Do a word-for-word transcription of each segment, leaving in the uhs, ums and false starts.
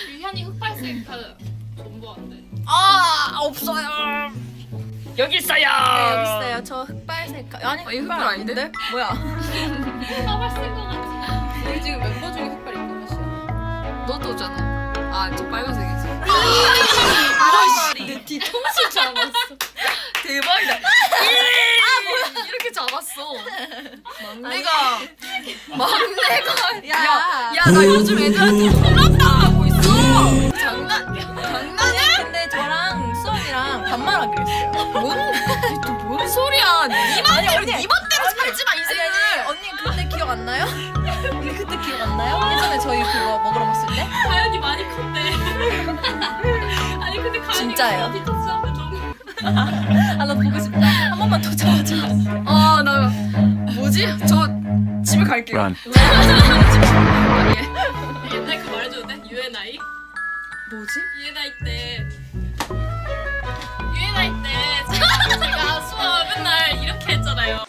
유현이 흑발색 그 존버한데. 아 없어요. 여기 있어요. 네 여기 있어요. 저 흑발색 아니 어, 이 흑발 아닌데? 뭐야? 흑발 쓴거 같아. 우리 지금 멤버 중에 흑발 입고 몇이야? 너도잖아. 아, 저 빨간색이지. 아씨 내 뒤통수 잡았어. 대박이다. 아, 뭐야? 이렇게 잡았어. 막내가 막내가 야. 야, 야, 나 요즘 애들한테 혼란당하고 있어. 장난 아니 근데 저랑 수원이랑 반말하기로 했어요. 뭔 소리야? 네 맘대로 언니. 네 맘대로 살지 마 아니 인생을. 아니 언니 그때 기억 안 나요? 언니 그때 기억 안 나요? 예전에 저희 그거 먹으러 갔을 때? 가연이 많이 컸네. 아니 근데 가연이 진짜예요? 디톡스 하면 너무. 아 나 보고 싶다. 한 번만 더 잡아줘. 아, 나 뭐지? 저 집에 갈게요. Run. 아니, 옛날 그 말해줘도 돼? 유엔아이? 뭐지? 유엔아이 때. 유엔아이 때 제가, 제가 수업 맨날 이렇게 했잖아요.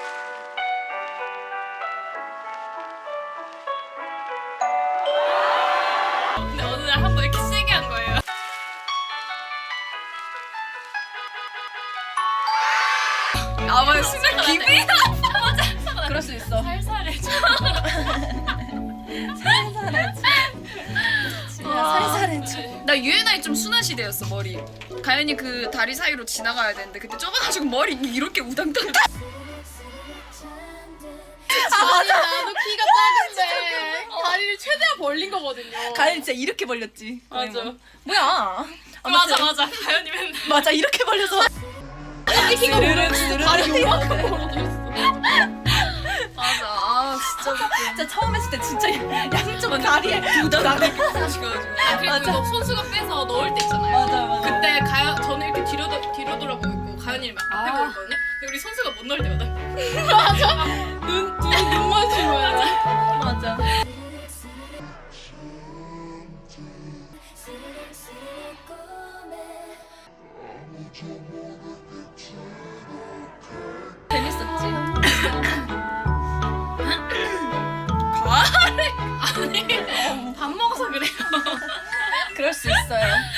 근데 어느 날 한 번 이렇게 세게 한 거예요. 아, 맞아. 진짜 기분이 그럴 수 있어. 살살해줘. 살살해줘. 살살해줘. 나 유엔아이 좀 순한 시대였어 머리. 가연이 그 다리 사이로 지나가야 되는데 그때 좁아가지고 머리 이렇게 우당탕. 아 맞아. 나도 키가 작은데 다리를 최대한 벌린 거거든요. 가연 진짜 이렇게 벌렸지. 맞아. 뭐야? 맞아 맞아. 가연이 맨날 맞아 이렇게 벌려서. 키가 스르륵, 오르 스르륵. 다리 요만큼 벌어져 있어. 맞아. 아 진짜 웃겨. 진짜 처음 했을 때 진짜 양쪽 다리에 우당탕. 그리고 맞아. 이거 선수가 빼서 넣을 때 있잖아요. 맞아 맞아. 그때 가연 저는 이렇게 뒤로 도- 뒤로 돌아보고 있고 가연이 막 앞에 아. 보고 있거든요. 근데 우리 선수가 못 넣을 때마다 맞아. 눈 둘이 눈 마주친 거야. 맞아. 재밌었지. 아니 밥 먹어서 그래요. 그럴 수 있어요.